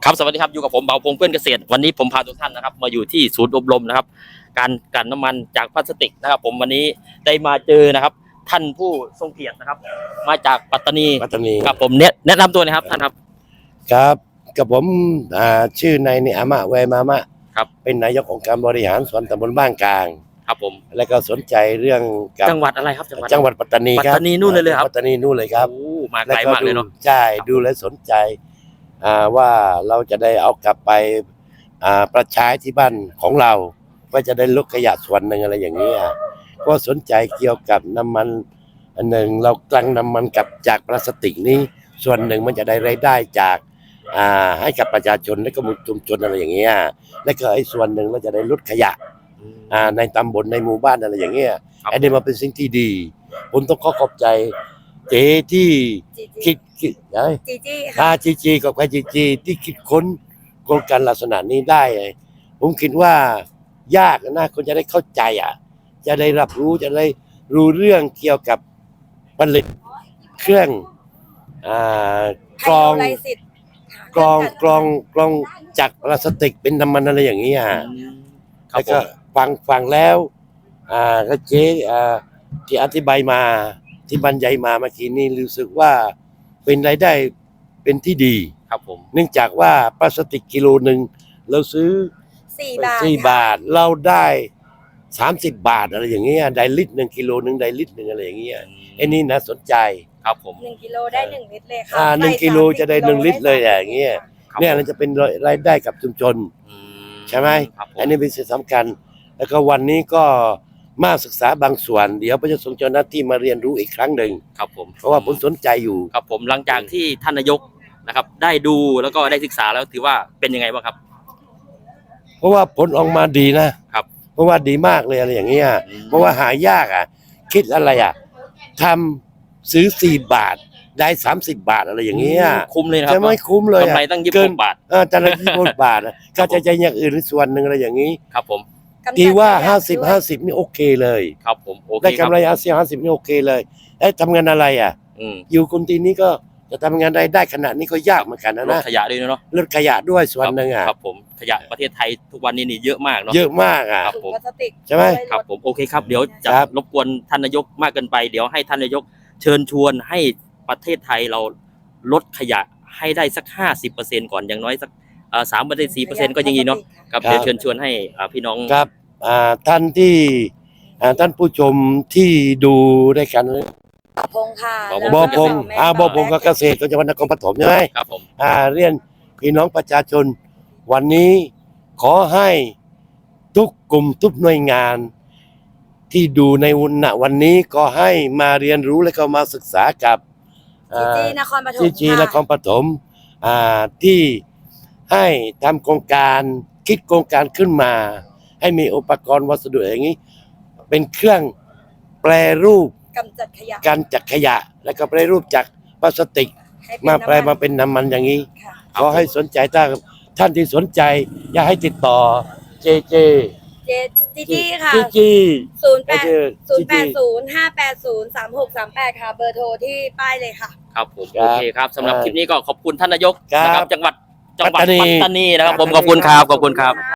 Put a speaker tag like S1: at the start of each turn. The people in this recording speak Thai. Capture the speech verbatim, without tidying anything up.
S1: ครับสวัสดีครับอยู่กับผมเบาพงเพื่อนเกษตรวันนี้ผมพาทุกท่านนะครับมาอยู่ที่ศูนย์อบรมนะครับการกลั่นน้ำมันจากพลาสติกนะครับผมวันนี้ได้มาเจอนะครับท่านผู้ทรงเกียรตินะครับมาจากปัตตานี
S2: ปัตตานี
S1: ครับผมเนแนะนำตัวนะครับท่านครับ
S2: ครับกับผมอ่าชื่อนายเนอามะแวมามะ
S1: ครับ
S2: เป็นนายกองค์การบริหารส่วนตำบลบ้านกลาง
S1: ครับผม
S2: และก็สนใจเรื่องกับ
S1: จังหวัดอะไรครับจังหวัด
S2: จังหวัดปัตตานีครับ
S1: ปัตตานีนู่นเลยเลยครับ
S2: ปัตตานีนู่นเลยครับ
S1: โอ้มาไกลมากเลยเนาะ
S2: ใช่ดูและสนใจอ่าว่าเราจะได้เอากลับไปอ่าประใช้ที่บ้านของเราว่าจะได้ลดขยะส่วนหนึ่งอะไรอย่างนี้ยก็สนใจเกี่ยวกับน้ำมันอันหนึ่งเรากลั่นน้ำมันกับจากพลาสติกนี้ส่วนหนึ่งมันจะได้รายได้จากอ่าให้กับประชาชนและก็ชุมชนอะไรอย่างเงี้ยและก็ไอ้ส่วนหนึ่งเราจะได้ลดขยะอ่าในตำบลในหมู่บ้านอะไรอย่างเงี้ยอันนี้มันเป็นสิ่งที่ดีผมต้องขอขอบใจเจ๊ที่คิดคิดไอ้
S3: จีจี้
S2: อา
S3: ค่ะ
S2: จีจีกับใครจีจีที่คิดค้นโครงการลักษณะนี้ได้ ผมคิดว่ายากนะคนจะได้เข้าใจอ่ะ จะได้รับรู้จะได้รู้เรื่องเกี่ยวกับผลิตเครื่องอ่ากรอง
S3: ไฮโดรไลซิสค่ะ
S2: กรองกรองกรองจากพลาสติกเป็นน้ำมันอะไรอย่างนี้อ่ะ
S1: ครับ
S2: แล้ว
S1: ผ
S2: ก็
S1: ม
S2: ฟังฟังแล้วอ่าก็เจ๊อ่าที่อธิบายมาที่บรรยายมาเมื่อกี้นี้รู้สึกว่าเป็นรายได้เป็นที่ดี
S1: ครับผม
S2: เนื่องจากว่าพลาสติกกิโลหนึ่งเราซื้อ
S3: สี่บาท
S2: สี่
S3: ค่ะ
S2: บาทเราได้สามสิบบาทอะไรอย่างเงี้ยได้ลิตรหนึ่งกิโลหนึ่งได้ลิตรหนึ่งอะไรอย่างเงี้ยไอ้นี่นะสนใจ
S1: ครับผม
S3: หนึ่งกิโลได้หนึ่งลิตรเลยค่ะ
S2: อ่าหนึ่ง
S3: ใส่
S2: กิโล
S3: สามสิบ
S2: จะได้หนึ่งลิตรเลยอย่างเงี้ย
S1: ครับ
S2: เนี่ยเราจะเป็นรายได้กับชุมชน
S1: อื
S2: ใช่ไหม
S1: ครับผม
S2: อันนี้เป็นสิ่งสำคัญ แล้วก็วันนี้ก็มาศึกษาบางส่วน เดี๋ยวพระเจ้าทรงเจ้าหน้าที่มาเรียนรู้อีกครั้งหนึ่ง
S1: ครับผม
S2: เพราะว่าผมสนใจอยู่
S1: ครับผมหลังจากที่ท่านนายกนะครับ ได้ดูแล้วก็ได้ศึกษาแล้วถือว่าเป็นยังไงบ้างครับ
S2: เพราะว่าผลออกมาดีนะครับ เพราะว่าดีมากเลยอะไรอย่างเงี้ย
S1: อืม
S2: เพราะว่าหายากอ่ะ คิดอะไรอ่ะทำซื้อสี่บาทได้สามสิบบาทอะไรอย่างเงี้ย
S1: คุ้มเลยนะครั
S2: จะไม่คุ้มเลย
S1: กำ
S2: อ่ะ
S1: ไรตั้งยี่สิบ
S2: เกิ
S1: ห
S2: น
S1: กบาท
S2: เออแต่ละยี่สิบบาทอะก็จะใจอย่างอื่นส่วนหนึ่งอะไรอย่างนี้
S1: ครับผม
S3: กำจัด
S2: ที่ว่า
S3: ขยะ
S2: ห้าสิบ
S3: ด้วย
S2: ห้าสิบนี่โอเคเลย
S1: ครับผมโอเค
S2: ได้
S1: ครั
S2: กำ
S1: บ
S2: ไรห้าสิบห้าสิบนี่โอเคเลยเอ้ยทำงานอะไรอ่ะ
S1: อืม
S2: อยู่คนที่นี้ก็จะทำงานได้ได้ขนาดนี้ก็ยากเหมือนกันนะ
S1: ลด
S2: นะ
S1: ขยะด้วยเนาะ
S2: ลดขยะด้วยส่วนหนึ่งอ่ะ
S1: ครับผมขยะประเทศไทยทุกวันนี้นี่เยอะมากเนาะ
S2: เยอะมากอ่ะ
S1: ครับ
S3: ถุงพลาสติก
S2: ใช่ไหม
S1: ครับผมโอเคครับเดี๋ยวจะ
S2: ครับ
S1: รบกวนท่านนายกมากเกินไป เดี๋ยวให้ท่านนายกเชิญชวนให้ประเทศไทยเราลดขยะให้ได้สักห้าสิบเปอร์เซ็นต์ก่อนอย่างน้อยสักสามเปอร์เซ็นต์สี่เปอร์เซ็นต์ก็ยังดีเนาะครับเดี๋ยวเชิญชวนให้อ่าพี่น้อง
S2: ครับอ่าท่านที่อ่าท่านผู้ชมที่ดูด้วยกัน
S3: พงค่ะ
S1: บอ
S3: แล้ว
S2: บอ
S3: ก็
S2: พง
S3: แม่
S2: อ่าบอพง
S3: แม่
S2: กับเกษตรก็จังหวัดนครปฐมใช่ไหม
S1: ครับผม
S2: อ่าเรียนพี่น้องประชาชนวันนี้ขอให้ทุกกลุ่มทุกหน่วยงาน ที่ดูในวันณวันนี้ก็ให้มาเรียนรู้และก็มาศึกษากับ
S3: จีจี้นครปฐม
S2: จีจีน
S3: ค่ะ
S2: ครปฐมอ่าที่ให้ทำโครงการคิดโครงการขึ้นมา ให้มีอุปกรณ์วัสดุอย่างนี้ เป็นเครื่องแปรรูป
S3: กำจัดขยะ
S2: การจากขยะ แล้วก็แปรรูปจากพลาสติก
S3: ให้เป็น
S2: มาแปล
S3: น้ำน
S2: มาเป็นน้ำมันอย่างนี้
S3: ค่ะ
S2: ขอให้สนใจถ้าท่านที่สนใจ อยากให้ติดต่อเจเจ
S3: เจจีจี้ค่ะ
S2: จีจี
S3: ศูนย์แปด
S2: เจ
S3: ศูนย์แป
S2: จี
S3: ดศูนย์ห้าแปดศูนย์สามหกสามแปดค่ะ เบอร์โทรที่ป้ายเลยค่ะ
S1: ครับผม
S2: ครั
S1: โอบ เคครับสำหรับคลิปนี้ก็ขอบคุณท่านนายก
S2: ครับ
S1: นะครับจังหวัดจังหวัด
S2: ปัตตานี
S1: ปัตตานีนะครับผมขอบคุณครับขอบคุณครับ